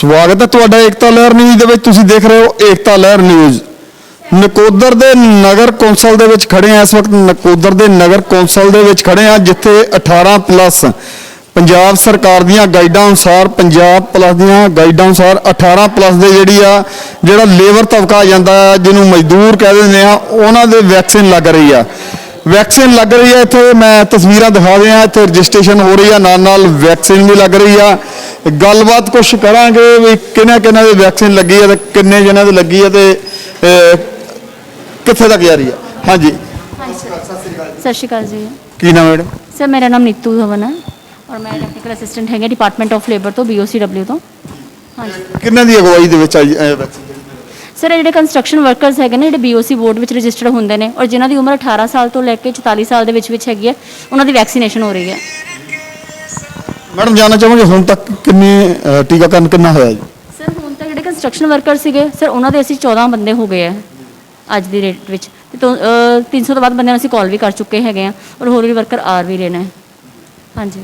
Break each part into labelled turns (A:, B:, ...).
A: ਸਵਾਗਤ ਹੈ ਤੁਹਾਡਾ ਏਕਤਾ ਲਹਿਰ ਨਿਊਜ਼ ਦੇ ਵਿੱਚ। ਤੁਸੀਂ ਦੇਖ ਰਹੇ ਹੋ ਏਕਤਾ ਲਹਿਰ ਨਿਊਜ਼। ਨਕੋਦਰ ਦੇ ਨਗਰ ਕੌਂਸਲ ਦੇ ਵਿੱਚ ਖੜੇ ਆ। ਇਸ ਵਕਤ ਨਕੋਦਰ ਦੇ ਨਗਰ ਕੌਂਸਲ ਦੇ ਵਿੱਚ ਖੜੇ ਆ, ਜਿੱਥੇ 18 ਪਲੱਸ ਪੰਜਾਬ ਸਰਕਾਰ ਦੀਆਂ ਗਾਈਡਾਂ ਅਨੁਸਾਰ, ਪੰਜਾਬ ਪਲੱਸ ਦੀਆਂ ਗਾਈਡਾਂ ਅਨੁਸਾਰ 18 ਪਲੱਸ ਦੇ ਜਿਹੜਾ ਲੇਬਰ ਤਬਕਾ ਆ ਜਾਂਦਾ, ਜਿਹਨੂੰ ਮਜ਼ਦੂਰ ਕਹਿ ਦਿੰਦੇ ਆ, ਉਹਨਾਂ ਦੇ ਵੈਕਸੀਨ ਲੱਗ ਰਹੀ ਆ। ਵੈਕਸੀਨ ਲੱਗ ਰਹੀ ਹੈ। ਇੱਥੇ ਮੈਂ ਤਸਵੀਰਾਂ ਦਿਖਾ ਦਿਆਂ, ਇੱਥੇ ਰਜਿਸਟ੍ਰੇਸ਼ਨ ਹੋ ਰਹੀ ਆ, ਨਾਲ ਵੈਕਸੀਨ ਵੀ ਲੱਗ ਰਹੀ ਆ। ਗੱਲਬਾਤ ਕੁਛ ਕਰਾਂਗੇ ਵੀ ਕਿਹਨਾਂ ਕਿਹਨਾਂ ਦੀ ਵੈਕਸੀਨ ਲੱਗੀ ਹੈ ਤੇ ਕਿੰਨੇ ਜਣਾਂ ਦੀ ਲੱਗੀ ਹੈ ਤੇ ਕਿੱਥੇ ਤੱਕ ਜਾ ਰਹੀ ਹੈ। ਹਾਂਜੀ
B: ਸਤਿ ਸ਼੍ਰੀ ਅਕਾਲ ਜੀ।
A: ਕੀ ਨਾਮ ਹੈ ਮੈਡਮ?
B: ਸਰ ਮੇਰਾ ਨਾਮ ਨੀਤੂ ਧਵਨ ਹੈ ਔਰ ਮੈਂ ਟੈਕਨੀਕਲ ਅਸਿਸਟੈਂਟ ਹੈਗਾ ਡਿਪਾਰਟਮੈਂਟ ਆਫ ਲੇਬਰ ਤੋਂ, BOCW ਤੋਂ। ਹਾਂਜੀ,
A: ਕਿੰਨਾਂ ਦੀ ਅਗਵਾਈ ਦੇ ਵਿੱਚ ਆਈ ਵੈਕਸੀਨ?
B: ਸਰ ਜਿਹੜੇ ਕੰਸਟਰਕਸ਼ਨ ਵਰਕਰਸ ਹੈਗੇ ਨੇ, ਜਿਹੜੇ BOC ਬੋਰਡ ਵਿੱਚ ਰਜਿਸਟਰਡ ਹੁੰਦੇ ਨੇ ਔਰ ਜਿਨ੍ਹਾਂ ਦੀ ਉਮਰ 18 ਸਾਲ ਤੋਂ ਲੈ ਕੇ 44 ਸਾਲ ਦੇ ਵਿੱਚ ਹੈਗੀ ਹੈ, ਉਹਨਾਂ ਦੀ ਵੈਕਸੀਨੇਸ਼ਨ ਹੋ ਰਹੀ ਹੈ। ਮੈਡਮ
A: ਜਾਣਨਾ ਚਾਹਾਂਗੇ ਹੁਣ ਤੱਕ ਕਿੰਨੇ ਟੀਕਾਕਰਨ ਕਿੰਨਾ ਹੋਇਆ ਜੀ?
B: ਸਰ ਹੁਣ ਤੱਕ ਜਿਹੜੇ ਕੰਸਟਰਕਸ਼ਨ ਵਰਕਰ ਸੀਗੇ ਸਰ, ਉਹਨਾਂ ਦੇ ਅਸੀਂ 14 ਬੰਦੇ ਹੋ ਗਏ ਆ ਅੱਜ ਦੀ ਡੇਟ ਵਿੱਚ, ਤੇ 300 ਤੋਂ ਵੱਧ ਬੰਦਿਆਂ ਨੂੰ ਅਸੀਂ ਕਾਲ ਵੀ ਕਰ ਚੁੱਕੇ ਹੈਗੇ ਆ ਔਰ ਹੋਰ ਵੀ ਵਰਕਰ ਆ ਵੀ ਰਹੇ ਨੇ। ਹਾਂਜੀ,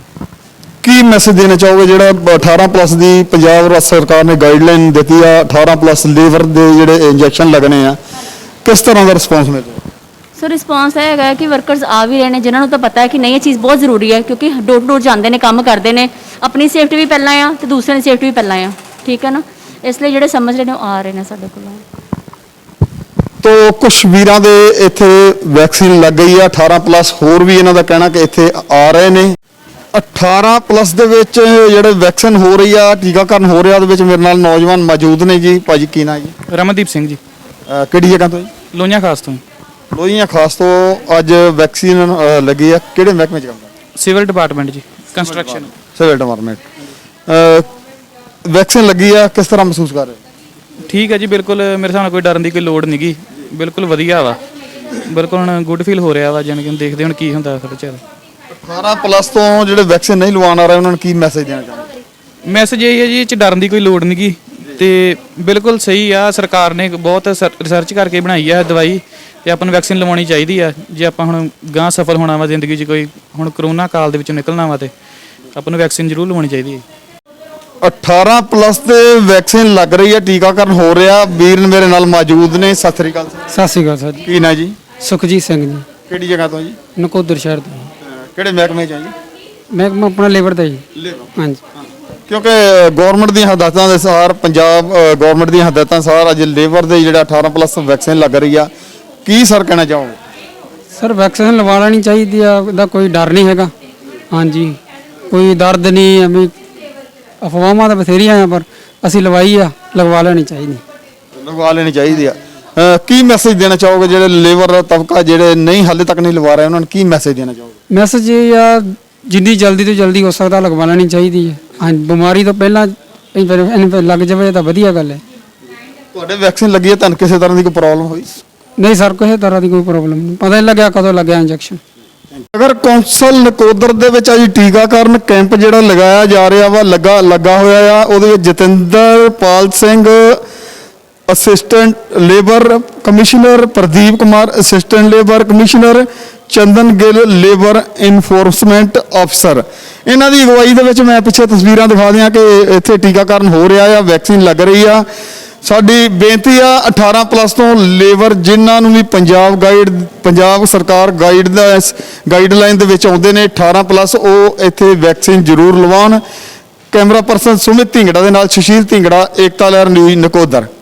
A: ਕੀ ਮੈਸੇਜ ਦੇਣਾ ਚਾਹੋਗੇ ਜਿਹੜਾ 18 ਪਲੱਸ ਦੀ ਪੰਜਾਬ ਸਰਕਾਰ ਨੇ ਗਾਈਡਲਾਈਨ ਦਿੱਤੀ ਆ, 18 ਪਲੱਸ ਲੇਬਰ ਦੇ ਜਿਹੜੇ ਇੰਜੈਕਸ਼ਨ ਲੱਗਣੇ ਆ, ਕਿਸ ਤਰ੍ਹਾਂ ਦਾ ਰਿਸਪੌਂਸ ਮਿਲਿਆ?
B: ਸੋ ਰਿਸਪੌਂਸ ਇਹ ਹੈਗਾ ਕਿ ਵਰਕਰਸ ਆ ਵੀ ਰਹੇ ਨੇ, ਜਿਨ੍ਹਾਂ ਨੂੰ ਤਾਂ ਪਤਾ ਹੈ ਕਿ ਨਹੀਂ ਇਹ ਚੀਜ਼ ਬਹੁਤ ਜ਼ਰੂਰੀ ਹੈ, ਕਿਉਂਕਿ ਡੋਰ ਟੂ ਡੋਰ ਜਾਂਦੇ ਨੇ, ਕੰਮ ਕਰਦੇ ਨੇ, ਆਪਣੀ ਸੇਫਟੀ ਵੀ ਪਹਿਲਾਂ ਆ ਤੇ ਦੂਸਰਿਆਂ ਦੀ ਸੇਫਟੀ ਵੀ ਪਹਿਲਾਂ ਆ। ਠੀਕ ਹੈ ਨਾ, ਇਸ ਲਈ ਜਿਹੜੇ ਸਮਝ ਰਹੇ ਨੇ ਉਹ ਆ ਰਹੇ ਨੇ ਸਾਡੇ ਕੋਲ।
A: ਤੋ ਕੁਛ ਵੀਰਾਂ ਦੇ ਇੱਥੇ ਵੈਕਸੀਨ ਲੱਗ ਗਈ ਆ 18 ਪਲੱਸ, ਹੋਰ ਵੀ ਇਹਨਾਂ ਦਾ ਕਹਿਣਾ ਕਿ ਇੱਥੇ ਆ ਰਹੇ ਨੇ। 18 ਪਲੱਸ ਦੇ ਵਿੱਚ ਜਿਹੜੇ ਵੈਕਸੀਨ ਹੋ ਰਹੀ ਆ, ਟੀਕਾਕਰਨ ਹੋ ਰਿਹਾ, ਉਹਦੇ ਵਿੱਚ ਮੇਰੇ ਨਾਲ ਨੌਜਵਾਨ ਮੌਜੂਦ ਨੇ ਜੀ। ਭਾਜੀ ਕੀ ਨਾਂ ਜੀ?
C: ਰਮਨਦੀਪ ਸਿੰਘ ਜੀ।
A: ਕਿਹੜੀ ਜਗ੍ਹਾ ਤੋਂ ਜੀ?
C: ਲੋਹੀਆਂ ਖਾਸ ਤੋਂ।
A: ਲੋਹੀਆਂ ਖਾਸ ਤੋਂ ਅੱਜ ਵੈਕਸੀਨ ਲੱਗੀ ਆ। ਕਿਹੜੇ ਮਹਿਕਮੇ 'ਚ ਕੰਮ ਕਰਦੇ?
C: ਸਿਵਲ ਡਿਪਾਰਟਮੈਂਟ ਜੀ, ਕੰਸਟਰਕਸ਼ਨ।
A: Civil department. ਵੈਕਸੀਨ ਲੱਗੀ ਆ, ਕਿਸ ਤਰ੍ਹਾਂ ਮਹਿਸੂਸ ਕਰ ਰਹੇ?
C: ਠੀਕ ਹੈ ਜੀ, ਬਿਲਕੁਲ ਮੇਰੇ ਹਿਸਾਬ ਨਾਲ ਕੋਈ ਡਰਨ ਦੀ ਕੋਈ ਲੋੜ ਨਹੀਂ ਗੀ, ਬਿਲਕੁਲ ਵਧੀਆ ਵਾ, ਬਿਲਕੁਲ ਹੁਣ ਗੁੱਡ ਫੀਲ ਹੋ ਰਿਹਾ ਵਾ। ਜਾਣੀ ਕਿ ਦੇਖਦੇ ਹੁਣ ਕੀ ਹੁੰਦਾ ਸਾਡੇ ਚ।
A: 18 ਪਲੱਸ ਤੋਂ ਜਿਹੜੇ ਵੈਕਸੀਨ ਨਹੀਂ ਲਵਾਉਣ ਆ ਰਹੇ, ਉਹਨਾਂ ਨੂੰ ਕੀ ਮੈਸੇਜ ਦੇਣਾ ਚਾਹੁੰਦੇ?
C: ਮੈਸੇਜ ਇਹ ਹੈ ਜੀ, ਇਹ 'ਚ ਡਰਨ ਦੀ ਕੋਈ ਲੋੜ ਨਹੀਂ ਗੀ ਤੇ ਬਿਲਕੁਲ ਸਹੀ ਆ। ਸਰਕਾਰ ਨੇ ਬਹੁਤ ਰਿਸਰਚ ਕਰਕੇ ਬਣਾਈ ਆ ਦਵਾਈ ਤੇ ਆਪਾਂ ਨੂੰ ਵੈਕਸੀਨ ਲਵਾਉਣੀ ਚਾਹੀਦੀ ਆ। ਜੇ ਆਪਾਂ ਹੁਣ ਗਾਂ ਸਫਲ ਹੋਣਾ ਵਾ ਜ਼ਿੰਦਗੀ 'ਚ, ਕੋਈ ਹੁਣ ਕਰੋਨਾ ਕਾਲ ਦੇ ਵਿੱਚੋਂ ਨਿਕਲਣਾ ਵਾ, ਤੇ ਆਪਾਂ ਨੂੰ ਵੈਕਸੀਨ ਜ਼ਰੂਰ ਲਵਾਉਣੀ ਚਾਹੀਦੀ ਹੈ।
A: 18 ਪਲੱਸ ਤੇ ਵੈਕਸੀਨ ਲੱਗ ਰਹੀ ਹੈ, ਟੀਕਾਕਰਨ ਹੋ ਰਿਹਾ। ਵੀਰ ਮੇਰੇ ਨਾਲ ਮੌਜੂਦ ਨੇ। ਸਤਿ ਸ੍ਰੀ ਅਕਾਲ।
D: ਸਤਿ ਸ਼੍ਰੀ ਅਕਾਲ ਸਰ ਜੀ।
A: ਕੀ ਨਾਂ ਜੀ?
D: ਸੁਖਜੀਤ ਸਿੰਘ ਜੀ।
A: ਕਿਹੜੀ ਜਗ੍ਹਾ ਤੋਂ ਜੀ?
D: ਨਕੋਦਰ ਸ਼ਹਿਰ ਤੋਂ।
A: ਕਿਹੜੇ ਮਹਿਕਮੇ 'ਚ ਆ ਜੀ?
D: ਮਹਿਕਮਾ ਆਪਣਾ ਲੇਬਰ ਦਾ ਜੀ। ਹਾਂਜੀ,
A: ਕਿਉਂਕਿ ਗਵਰਨਮੈਂਟ ਦੀਆਂ ਹਦਾਇਤਾਂ ਦੇ ਅਨੁਸਾਰ, ਪੰਜਾਬ ਗਵਰਨਮੈਂਟ ਦੀਆਂ ਹਦਾਇਤਾਂ ਅਨੁਸਾਰ ਅੱਜ ਲੇਬਰ ਦੇ ਜਿਹੜਾ 18 ਪਲੱਸ ਵੈਕਸੀਨ ਲੱਗ ਰਹੀ ਆ, ਕੀ ਸਰ ਕਹਿਣਾ ਚਾਹੋਗੇ?
D: ਸਰ ਵੈਕਸੀਨ ਲਵਾ ਲੈਣੀ ਚਾਹੀਦੀ ਆ, ਉਹਦਾ ਕੋਈ ਡਰ ਨਹੀਂ ਹੈਗਾ। ਹਾਂਜੀ, ਕੋਈ ਦਰਦ ਨਹੀਂ, ਐਵੇਂ ਅਫਵਾਹਾਂ ਤਾਂ ਬਥੇਰੀਆਂ ਆ, ਪਰ ਅਸੀਂ ਲਵਾਈ ਆ, ਲਗਵਾ ਲੈਣੀ ਚਾਹੀਦੀ।
A: ਲਗਵਾ ਲੈਣੀ ਚਾਹੀਦੀ ਆ। ਕੀ ਮੈਸੇਜ ਦੇਣਾ ਚਾਹੋਗੇ ਜਿਹੜੇ ਲੇਬਰ ਤਬਕਾ ਜਿਹੜੇ ਨਹੀਂ ਹਾਲੇ ਤੱਕ ਨਹੀਂ ਲਵਾ ਰਹੇ, ਉਹਨਾਂ ਨੂੰ ਕੀ ਮੈਸੇਜ ਦੇਣਾ ਚਾਹੋਗੇ?
D: ਮੈਸੇਜ ਇਹ ਆ, ਜਿੰਨੀ ਜਲਦੀ ਤੋਂ ਜਲਦੀ ਹੋ ਸਕਦਾ ਲਗਵਾ ਲੈਣੀ ਚਾਹੀਦੀ ਹੈ। ਹਾਂਜੀ, ਬਿਮਾਰੀ ਤੋਂ ਪਹਿਲਾਂ ਇਹਨੂੰ ਲੱਗ ਜਾਵੇ ਤਾਂ ਵਧੀਆ ਗੱਲ ਹੈ।
A: ਤੁਹਾਡੇ ਵੈਕਸੀਨ ਲੱਗੀ ਹੈ, ਤੁਹਾਨੂੰ ਕਿਸੇ ਤਰ੍ਹਾਂ ਦੀ ਕੋਈ ਪ੍ਰੋਬਲਮ ਹੋਈ?
D: ਨਹੀਂ ਸਰ, ਕਿਸੇ ਤਰ੍ਹਾਂ ਦੀ ਕੋਈ ਪ੍ਰੋਬਲਮ ਨਹੀਂ, ਪਤਾ ਨਹੀਂ ਲੱਗਿਆ ਕਦੋਂ ਲੱਗਿਆ ਇੰਜੈਕਸ਼ਨ।
A: ਨਗਰ ਕੌਂਸਲ ਨਕੋਦਰ ਦੇ ਵਿੱਚ ਅੱਜ ਟੀਕਾਕਰਨ ਕੈਂਪ ਜਿਹੜਾ ਲਗਾਇਆ ਜਾ ਰਿਹਾ ਵਾ, ਲੱਗਾ ਹੋਇਆ ਆ। ਉਹਦੇ ਵਿੱਚ Jatinderpal Singh assistant labour commissioner, Pradeep Kumar assistant labour commissioner, Chandan Gill labour enforcement ਅਫਸਰ, ਇਹਨਾਂ ਦੀ ਅਗਵਾਈ ਦੇ ਵਿੱਚ ਮੈਂ ਪਿੱਛੇ ਤਸਵੀਰਾਂ ਦਿਖਾ ਦਿਆਂ ਕਿ ਇੱਥੇ ਟੀਕਾਕਰਨ ਹੋ ਰਿਹਾ ਆ, ਵੈਕਸੀਨ ਲੱਗ ਰਹੀ ਆ। ਸਾਡੀ ਬੇਨਤੀ ਆ 18 ਪਲੱਸ ਤੋਂ ਲੇਬਰ ਜਿਨ੍ਹਾਂ ਨੂੰ ਵੀ ਪੰਜਾਬ ਸਰਕਾਰ ਗਾਈਡਲਾਈਨ ਦੇ ਵਿੱਚ ਆਉਂਦੇ ਨੇ 18 ਪਲੱਸ, ਉਹ ਇੱਥੇ ਵੈਕਸੀਨ ਜ਼ਰੂਰ ਲਵਾਉਣ। ਕੈਮਰਾ ਪਰਸਨ ਸੁਮਿਤ ਢਿੰਗੜਾ ਦੇ ਨਾਲ ਸੁਸ਼ੀਲ ਢਿੰਗੜਾ, ਏਕਤਾ ਲਹਿਰ ਨਿਊਜ਼ ਨਕੋਦਰ।